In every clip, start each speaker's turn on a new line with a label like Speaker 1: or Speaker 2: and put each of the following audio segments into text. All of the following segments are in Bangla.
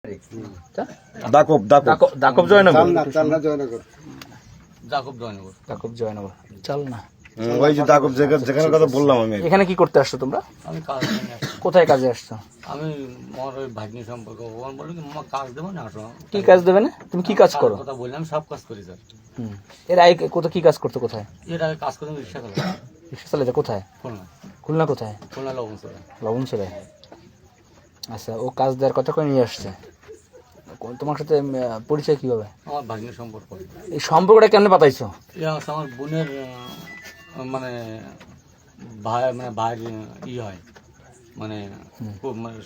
Speaker 1: দাকব দাকব
Speaker 2: দাকব জয়নগর
Speaker 1: দাকব জয়নগর
Speaker 2: চল না।
Speaker 1: ওই যে দাকব যেখানে কথা বললাম আমি।
Speaker 2: এখানে কি করতে আসছো তোমরা?
Speaker 3: আমি কাজ নিয়ে আসছি।
Speaker 2: কোথায় কাজে আসছো?
Speaker 3: আমি আমার ওই ভাগ্নি সম্পর্কে ওখানে বললো কি মামা কাজ দেবো না আসো।
Speaker 2: কি কাজ দেবে না? তুমি কি কাজ করো?
Speaker 3: কথা বললাম সব কাজ করি স্যার।
Speaker 2: এর আগে কোথায় কি কাজ করতো? কোথায়
Speaker 3: এর আগে কাজ করতাম রিক্সা চালাতাম
Speaker 2: রিক্সা চালাতে? কোথায়?
Speaker 3: খুলনা
Speaker 2: খুলনা কোথায়?
Speaker 3: খুলনা লবণ চলে।
Speaker 2: লবণ ছেড়ে। আচ্ছা, ও কাজ দেওয়ার কথা করে নিয়ে আসছে। তোমার সাথে পরিচয় কিভাবে?
Speaker 3: আমার ভাগ্নি সম্পর্ক।
Speaker 2: এই সম্পর্কটা কেমনে পাতাইছো?
Speaker 3: এটা হচ্ছে আমার বোনের মানে ভাই মানে ভাইয়ের হয় মানে খুব মানে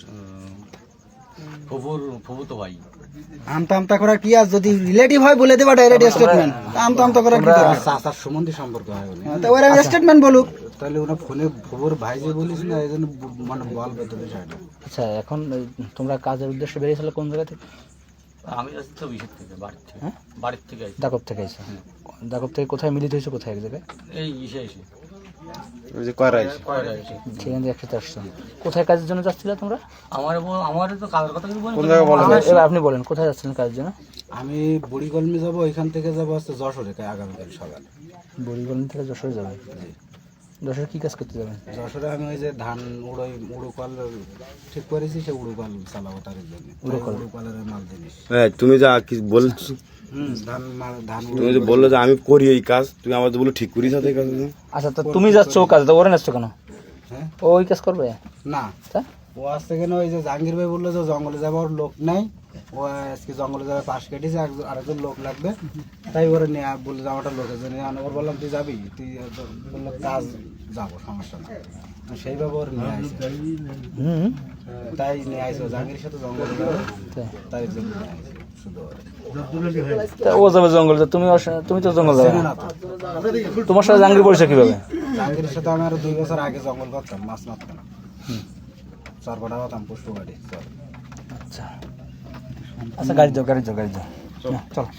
Speaker 3: ফুফুতো ভাই।
Speaker 4: আমতা আমতা করা কি আর যদি রিলেটিভ হয় বলে দেবা ডাইরেক্ট স্টেটমেন্ট। আমতা আমতা করা কি দরকার?
Speaker 5: চাচার সম্বন্ধে সম্পর্ক হয় বলে
Speaker 4: তো ওরা স্টেটমেন্ট বলুক।
Speaker 5: তাহলে ওরা ফোনে খবর ভাই যে বলিস না এই জন্য মানে বলবে তো বিষয়টা।
Speaker 2: আচ্ছা, এখন তোমরা কাজের উদ্দেশ্যে বেরিয়েছিলে কোন জায়গা থেকে?
Speaker 3: আমি আসছি তো বিশেষ থেকে বাড়ির থেকে।
Speaker 2: হ্যাঁ?
Speaker 3: বাড়ির থেকে আসছি।
Speaker 2: দাকব থেকে এসে। দাকব থেকে কোথায় মিলিত হয়েছে? কোথায় এক জায়গায়?
Speaker 3: এই এসে
Speaker 1: ওই যে কয়রা এসে
Speaker 3: কয়টা এসে
Speaker 2: সেখান থেকে একসাথে আসছো। কোথায় কাজের জন্য যাচ্ছিলে তোমরা?
Speaker 3: আমার তো কাজের কথা কিছু
Speaker 1: কোন জায়গায় বলেন?
Speaker 2: এবার আপনি বলেন কোথায় যাচ্ছিলেন কাজের জন্য?
Speaker 5: আমি বুড়িগলমে যাব, ওইখান থেকে যাব হচ্ছে যশোরে আগামীকাল সকালে।
Speaker 2: বরিগঞ্জ থেকে যশোরে যাবেন? যশোরে কি কাজ করতে যাবেন?
Speaker 5: যশোরে আমি ওই যে ধান উড়োকল ঠিক করেছি, সে উড়োকল চালাবো তার জন্য। উড়োকলের মাল জিনিস।
Speaker 1: তুমি যা কি বলছো,
Speaker 5: ধান
Speaker 1: তুমি যে বললো যে আমি করি এই কাজ, তুমি আমার বলে ঠিক করি সাথে কাজ।
Speaker 2: আচ্ছা, তো তুমি যাচ্ছ ও কাজে, তো ওরে নাচছো কেন?
Speaker 5: হ্যাঁ
Speaker 2: ও ওই কাজ করবে
Speaker 5: না,
Speaker 2: তা?
Speaker 5: ও আসতে কেন ওই যে জাহাঙ্গীর ভাই বললো যে জঙ্গলে যাবার লোক নাই, ও আজকে জঙ্গলে যাবে পাশ কেটেছে, আরেকজন লোক লাগবে, তাই ওরা নিয়ে বললো যে আমারটা লোকের জন্য। ওর বললাম তুই যাবি, তুই বললো কাজ যাবো, সমস্যা না। সেইভাবে ওর নিয়ে আসে, তাই নিয়ে আসে জাহাঙ্গীরের সাথে জঙ্গলে যাবে, তাই জন্য নিয়ে আসে শুধু ওরে।
Speaker 2: তা ও যাবে জঙ্গলে, তুমি তো জঙ্গল যাবে
Speaker 5: চেনে
Speaker 2: না।
Speaker 5: না তো।
Speaker 2: তোমার সাথে জাহাঙ্গীর পরিচয় কিভাবে?
Speaker 5: জাহাঙ্গীরের সাথে আমি আরো 2 বছর আগে জঙ্গল করতাম, মাছ মারতাম, চরপাটা হতাম, পুষ্প গাড়ি চল।
Speaker 2: আচ্ছা, আচ্ছা, গাড়ি যাও চলো।